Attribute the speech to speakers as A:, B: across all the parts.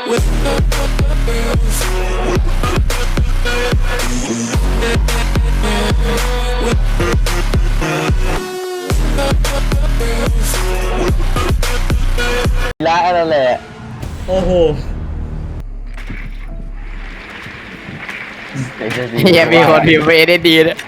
A: ละนั่นแหละ
B: โอ้โห
C: ยังมีคนพิมพ์ไปได้ดีนะ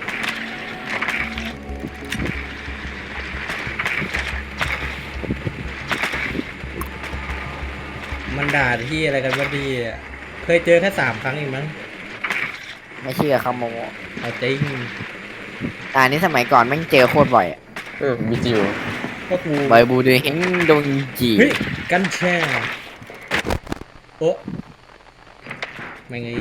B: มันด่าที่อะไรกันวะดีอะเคยเจอแค่3 ครั้งเองมั้ง
C: ไม่เชื่อเขาโม
B: เอาจริง
C: นี้สมัยก่อนแม่งเจอโคตรบ่อยอะ
A: มีจิว
B: ก็กู
C: บ่อยบูดูเห็นดงจี
B: เฮ้ยกัญแช่โอ๊ะไม่ไง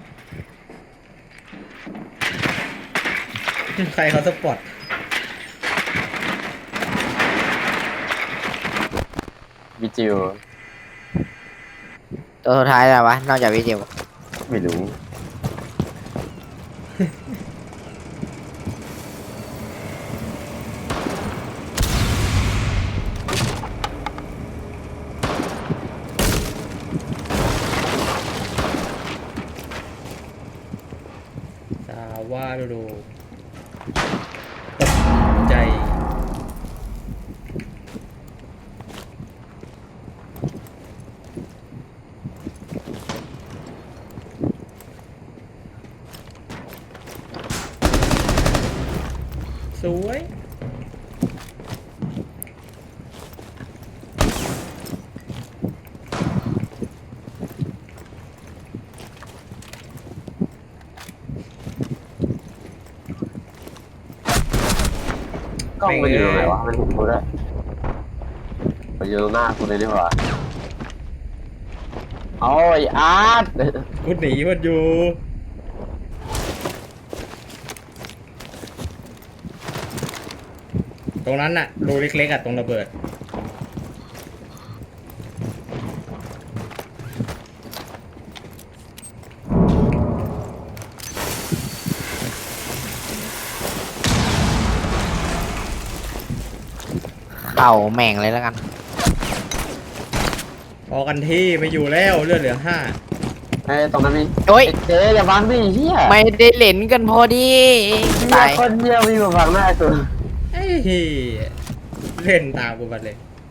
B: ใครเขาสปอร์ต
A: มีจิว
C: ตัวสุดท้ายแล้ววะนอกจากวิจิว
A: ไม่รู้
B: สาว่าดูตกใจสวย
A: กล้องมันอยู่ตรงไหนวะมันเห็นกูได้มันอยู่ตรงหน้ากูเลยดีกว่าโอ้ยอาร์ต
B: กูหนีมันอยู่ตรงนั้นน่ะรูเล็กๆอ่ะตรงระเบิด
C: เข่าแม่งเลยแล้วกัน
B: พอกันที่ไม่อยู่แล้วเลือดเหลือ5
A: ไอ้ตรงนั้นมี
C: โอ้ย
A: เจ๊อย่าบังดิเฮีย
C: ไม่ได้เล่นกันพอดี
A: เฮี
C: ตาย ย
A: คนเฮียมีมาบังหน้ากู
B: ไอ้เหี้ยเล่นตามกูไปเลย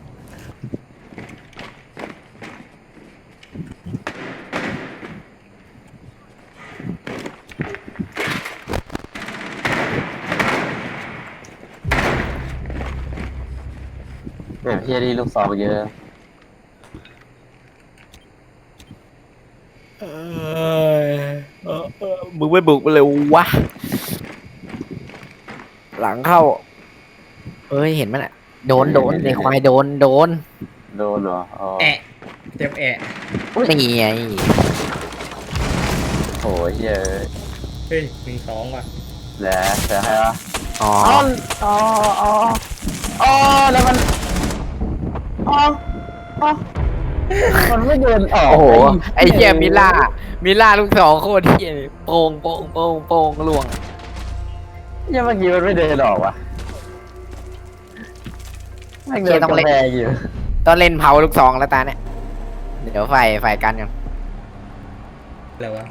A: แหมเฮียดีลูกซองเยอะ
C: มึงไม่บุกไปเลยวะ หลังเข้า เอ้ยเห็นมั้ยน่ะโดนในควายโดน
A: โดนเหรออ๋อ
B: แอะเจ็บแอะ
C: นี่ไง
A: โหเฮีย
B: เฮ้ย1-2ว่ะ
A: แล้วเจอให้วะ
C: อ๋อ
A: อ๋อแล้วมันอ๋อมันไม่เดินออก
C: โอ้โหไอ้เหี้ยมิล่าลูกสองโคตรเหี้ยเลยโป่งล่วง
A: ยังเมื่อกี้มันไม่เดินออกว่ะไม่เดินกำแพงอยู่
C: ต้องเล่นเผาลูกสองแล้วตาเนี่ยเดี๋ยวไฟกันกัน
B: อะไรวะ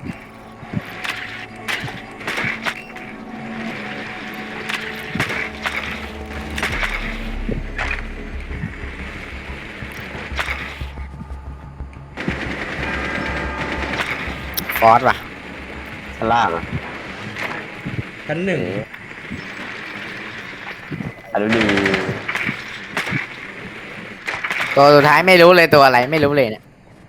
C: ฟอสว่ะ
A: ชั้นล่างอ่ะ
B: ชั้น
A: อันนี้ดี
C: ตัวสุดท้ายไม่รู้เลยตัวอะไรไม่รู้เลยเนี่ย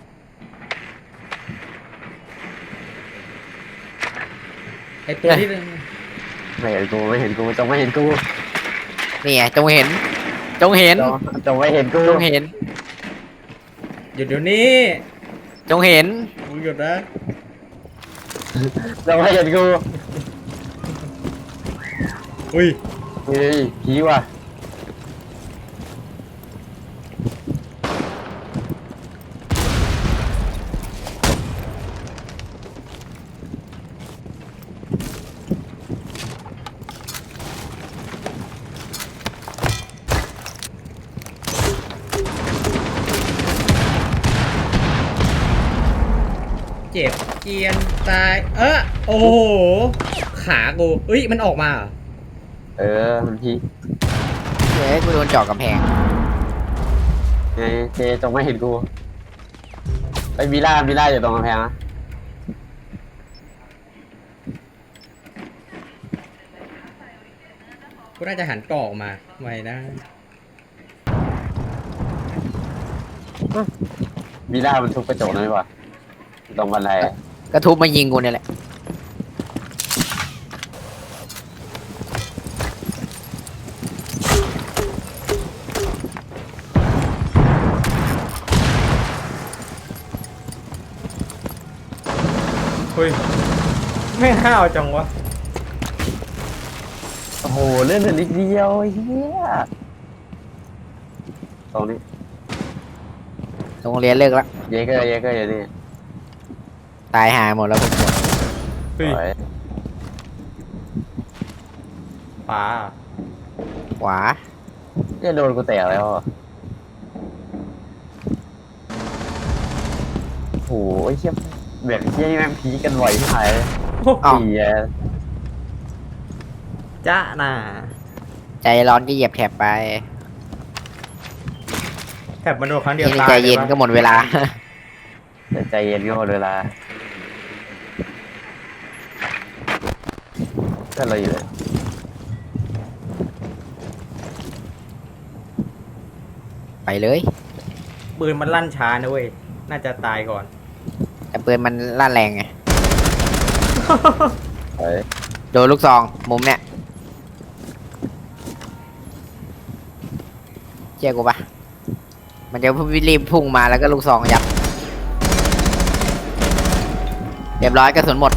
B: 1ไอตัวที่
A: ไม่เห็นกูจงไม่เห็นกู
C: นี่ไงจงเห็น
A: จงไม่เห็นกู
C: จงเห็น
B: หยุดเดี๋ยวนี้
C: จงเห็น
B: มึงหยุดนะ
A: จงไม่เห็นกู
B: อุ้ย
A: เฮ้ยผีว่ะ
B: เจ็บเกียนตายโอ้โหขากูเอ้ยมันออกมาเหรอ
A: มันพี่
C: เฮ้ยกูโดนเจาะกำแพง
A: ไงเจจงไม่เห็นกูไอ้มิล่าอยู่ตรงกำแพงนะ
B: กูน่าจะหันกรอกมาไม่นะ
A: มิล่ามันทุบกระจกนั่นดีกว่าตรงบันไดอะ
C: กระทุบมายิงกูเนี่ยแหละ
B: เฮ้ยไม่ห้าวจังวะ
A: โอ้โหเลื่อนเหลือนิดเดียวเฮียตรงนี้
C: โรงเรียนเลิกแล้ว
A: เยเกอร์อยู่นี่
C: ตายหายหมดแล้วพวกกู
B: เฮ้ย
A: สวย
B: ป๋า
C: ขวา
A: เนี่ยโดนกูแตกแล้วอะโอ้โหไอ้เชี่ยแบบเชี่ยนี่แม่งพีคกันบ่อยที่ไหน
C: อ้าว
A: เหี้ย
B: จ้าน่ะ
C: ใจร้อนก็เหยียบแถบไป
B: แถบมันโดนครั้งเดียว
C: นี่
B: ตาย
C: ใจเย็น
B: ลปะ
C: ก็หมดเวลา
A: แต่ใจเย็นก็หมดเวลาก็เลยอยู่เลย
C: ไปเลย
B: ปืนมันลั่นช้านะเว้ยน่าจะตายก่อน
C: แต่ปืนมันลั่นแรงไง
A: เฮ้ย
C: โดนลูกซองมุมเนี่ยเชื่อกูปะมันจะรีบพุ่งมาแล้วก็ลูกซองยัดเรียบร้อยกระสุนหมด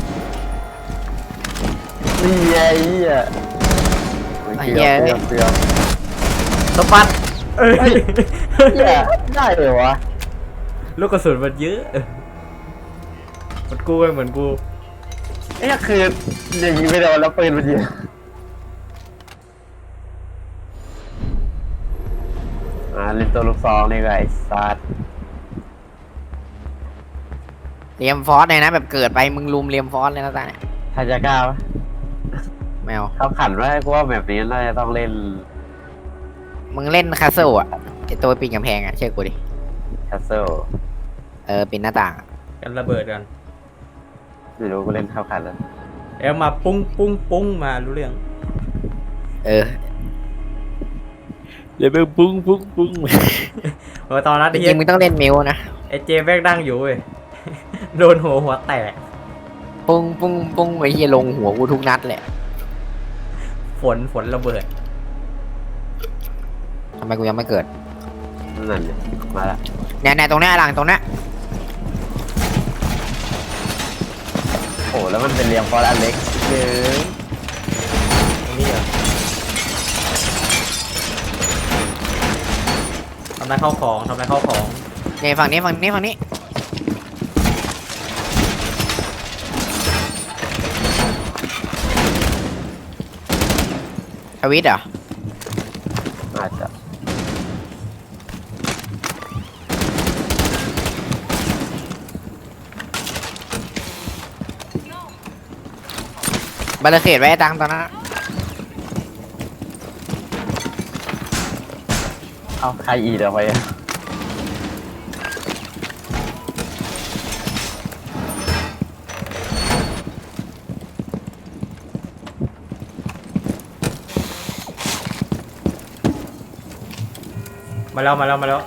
A: นี่ไงเหี้ย
C: ไอ้เหี้ย
A: เกือบ
B: สปัดเอ้ย
A: เหี้ยได้เลยวะ
B: ลูกกระสุนมันเยอะเหมือนกูไงเหมือนกู
A: ไอ้คืออย่างนี้ไม่โดนแล้วปืนมันยิงลิมตัวลูกซองนี่ไงไอ้สัตว์
C: เรียมฟอสเลยนะแบบเกิดไปมึงลุมเรียมฟอสเลยนะตาเนี่ย
A: ทาจะกล้าปะ
C: แมว
A: เขาขันว่ากูว่าแบบนี้น่าจะต้องเล่น
C: มึงเล่นคาสเซิลอะไอตัวปีนกำแพงอะเชื่อกูดิ
A: แคสเซิล
C: ปีนหน้าต่างอะ
B: กันระเบิดกัน
A: ไม่รู้กูเล่นเข้าขันแล้ว
B: เอ้มาปุ้งปุ้งปุ้งมารู้เรื่อง
C: เดี๋ยวไปปุ้งปุ้งปุ้ง
B: ตอนนั้น
C: จ
B: ไอ้
C: ริ
B: เหี้ย
C: งๆมึงต้องเล่นมิวนะ
B: ไอ้เจแม่งดังอยู่เว้ย โดนหัวแตก
C: ปุ้งปุ้งปุ้งไอ้เหี้ยลงหัวกูทุกนัดแหละ
B: ฝนระเบิด
C: ทำไมกูยังไม่เกิด
A: นั่นเนี่ยมาละ
C: เนี่ยตรงเนี้ยหลังตรงเนี้ย
A: โอ้แล้วมันเป็นเรียงฟอร์อันเล็กเยอะ
B: ตรงนี้เหรอทำลายข้าวของ
C: เนี่ยฝั่งนี้ทวิตเหรอ
A: อาจจะ
C: บาร์เขตไว้ตังตอนนั้น
A: เอาใครอีเดี๋ยวไปอะ
B: มาแล้ว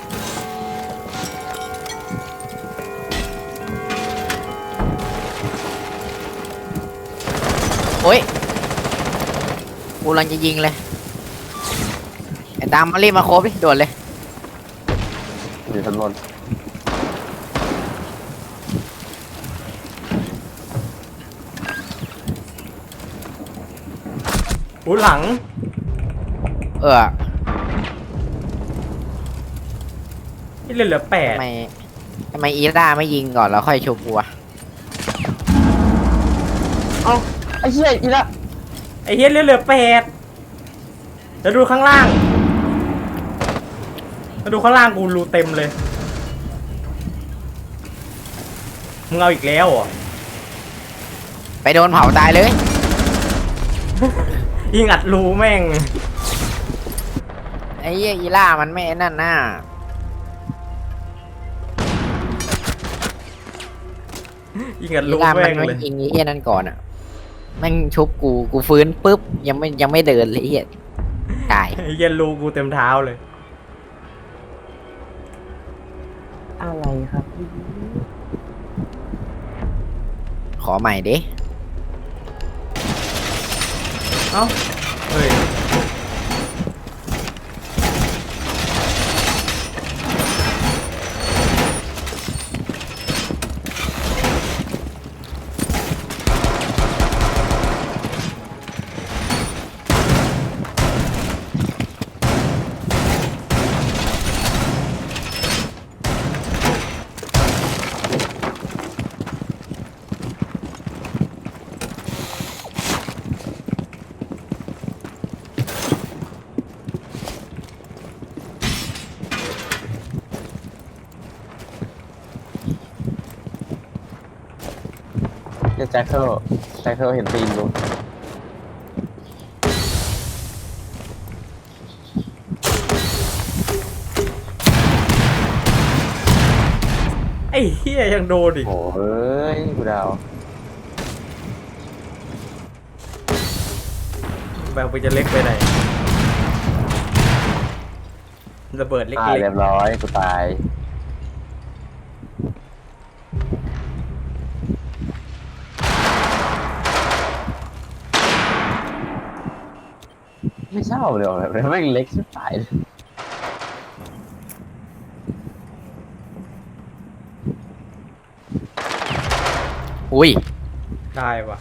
C: โอ้ยกูกำลังจะยิงเลยไอ้ตามมารีบมาโคบดิด่วนเลย
A: อยู่ชั้นบน
B: อู้หลัง ที่เหลือ8
C: ทำไมอีร่าไม่ยิงก่อนแล้วค่อยชุบกูวะ
A: เอาไอ้เหี้ยอีละ
B: ไอ้เหี้ยเหลือ8แล้วดูข้างล่างกูรูเต็มเลยมึงเอาอีกแล้วเหรอ
C: ไปโดนเผาตายเลย
B: ยิงอัดรูแม่ง
C: ไอ้เหี้ยอีล่ามันไม่ไอ้นั่นน่ะ
B: ยิงอัด
C: อี
B: รู
C: ล่ามั
B: แม่
C: น
B: ง
C: ไม่
B: เลย
C: ยิงไอ้เหี้ยนั่นก่อนอ่ะแม่งชุบกูฟื้นปุ๊บยังไม่เดินเลยไอ้เหี้ยตาย
B: ไอ้เหี้ย็นรูกูเต็มเท้าเลย
A: อะไรครับ
C: ขอใหม่ดิ
B: เอ้าเฮ้ย
A: แจ็คเคิลเห็นตีนกู
B: ไอ้เหี้ยยังโดนอีก
A: โอ้ยกูดาว
B: แบบไปจะเล็กไปไหนระเบิดเล็ก
A: เรียบร้อยกูตายไม่เช่าเลยหรอแบบแม่งเล็กชิบหายเลย
C: อุ้ย
B: ๆได้ว่ะ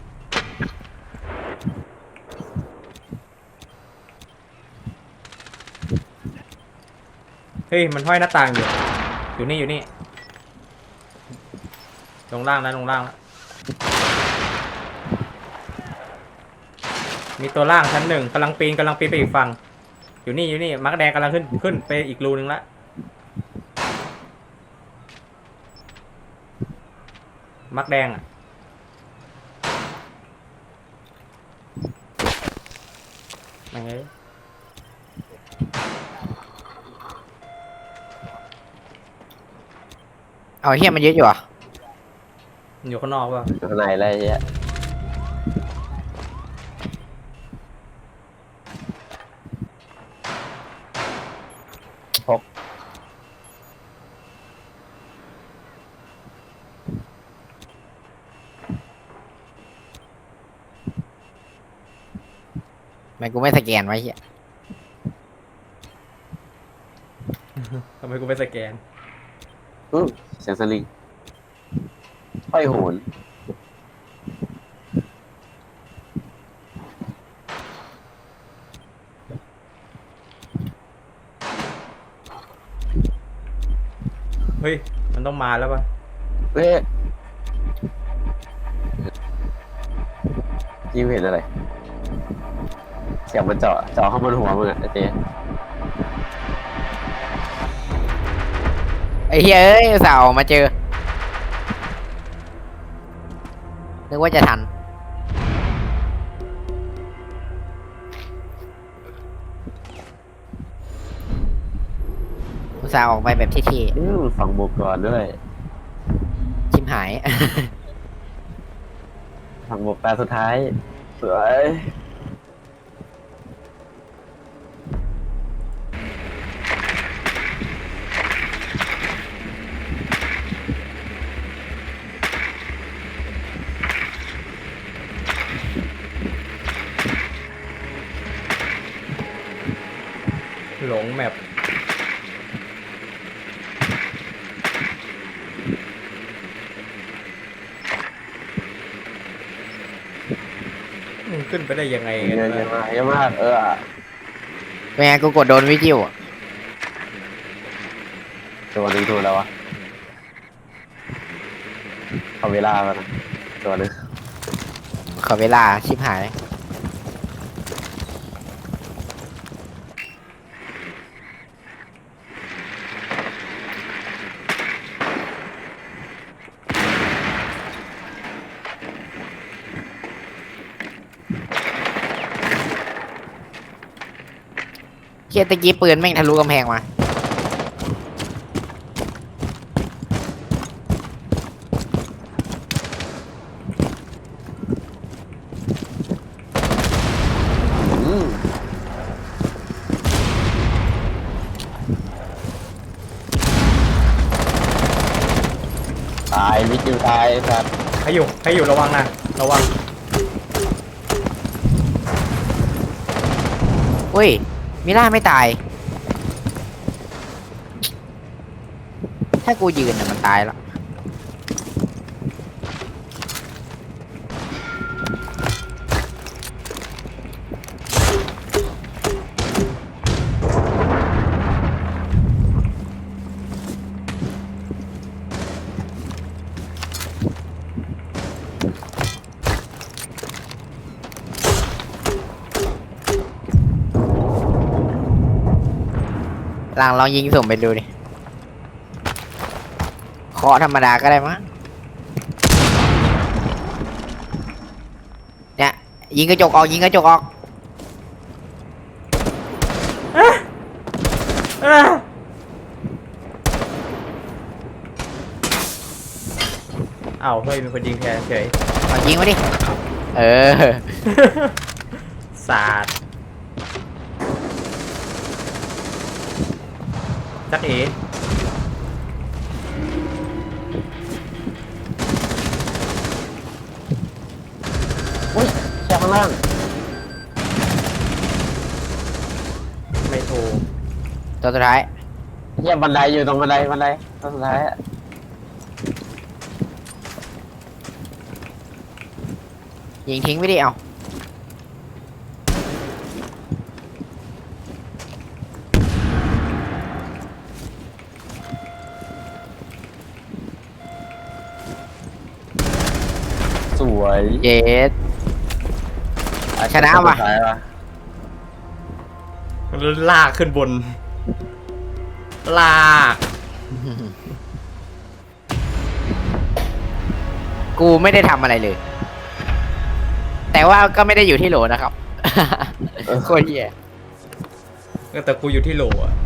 B: เฮ้ยมันห้อยหน้าต่างอยู่นี่อยู่นี่ลงล่างนะลงล่างนะมีตัวล่างชั้นหนึ่งกำลังปีนไปอีกฝั่งอยู่นี่มาร์กแดงกำลังขึ้นไปอีกรูนึงละมาร์กแดงอ่ะยังไง
C: เอาเหี้ยมันเยอะอยู่อ่ะ
B: อยู่ข้างนอกป่ะ
A: อยู่ข้างในอะไรเงี้ยพก
C: ทำไมกูไม่สแกนไว้เหี้ย
B: ทำไมกูไปสแกน
A: เสียงสลิงห้อยโหน
B: เฮ้ยมันต้องมาแล้วป่ะ
A: เฮ้ยยิวเห็นอะไร เสียงมันเจาะเข้าบนหัวมึงอะไอ้เจ๊
C: ไอ้เหี้ยเอ้ยอุตส่าห์ออกมาเจอนึกว่าจะทันอุตส่าห์ออกไปแบบเท่
A: ฝั่งบุกก่อนด้วย
C: ๆชิมหาย
A: ฝั่งบุกตาสุดท้ายสวย
B: หลงแมปมึงขึ้นไปได้ยังไง
A: เย
B: กัน
A: อะ
B: วะ
A: มากเยอะมาก
C: เป็นไงกูกดโดนวิจิวอะ
A: ตัวหนึงตัวแล้ววะเอาเวลามานะตัวหนึง
C: ขอเวลาชิบหายเชี่ยตะกี้ปืนแม่งทะลุกำแพงมา
A: อืมตายวิจิวตายสัตว์
B: ให้อยู่ระวังนะระวัง
C: อุ้ยมิล่าไม่ตาย ถ้ากูยืนน่ะมันตายแล้ว หลังลองยิงสุ่มไปดูดิเคาะธรรมดาก็ได้มั้งเนี่ยยิงกระจกออกยิงกระจกออก
B: อ้าวเฮ้ยมีคนยิงแทนเฉย
C: เอายิงมาดิ เออ
B: สาดจักเอ๋
A: อุ้ยแช่ข้างล่าง
B: ไม่โทร
C: ตัวสุดท้าย
A: เหี้ยบันไดอยู่ตรงบันไดตรงสุดท้ายอะ
C: ยิงทิ้งไม่ดิเอา
A: สวย
C: เย็ด ชนะว่ะ
A: สุดท้ายว่ะ
B: ลากขึ้นบน ลาก
C: กูไม่ได้ทำอะไรเลย แต่ว่าก็ไม่ได้อยู่ที่โหลนะครับ โคตรเหี้ย
B: แต่กูอยู่ที่โหลอะ